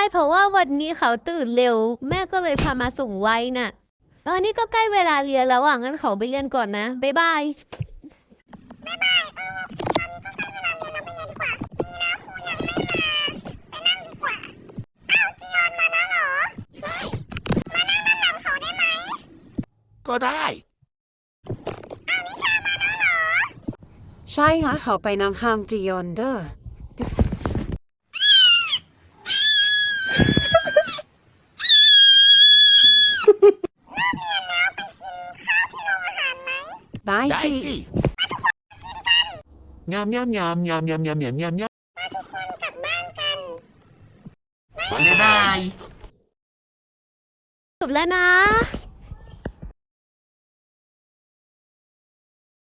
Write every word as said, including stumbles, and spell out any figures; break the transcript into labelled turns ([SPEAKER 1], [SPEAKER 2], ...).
[SPEAKER 1] เพราะว่าวันนี้เขาตื่นเร็วแม่ก็เลยพามาส่งไว้น่ะตอนนี้ก็ใกล้เวลาเรียนแล้วอ่ะงั้นเขาไปเรียนก่อนนะบ๊ายบาย
[SPEAKER 2] ก็ได้
[SPEAKER 3] ใช่ค่ะเขาไปนั่งห้างจียอนเดอร์ได้
[SPEAKER 2] ได้
[SPEAKER 3] สิ
[SPEAKER 2] สิ
[SPEAKER 4] ยามยามยามยามยามยามยามยามยาม
[SPEAKER 2] บ๊ายบาย
[SPEAKER 1] จบแล้วนะ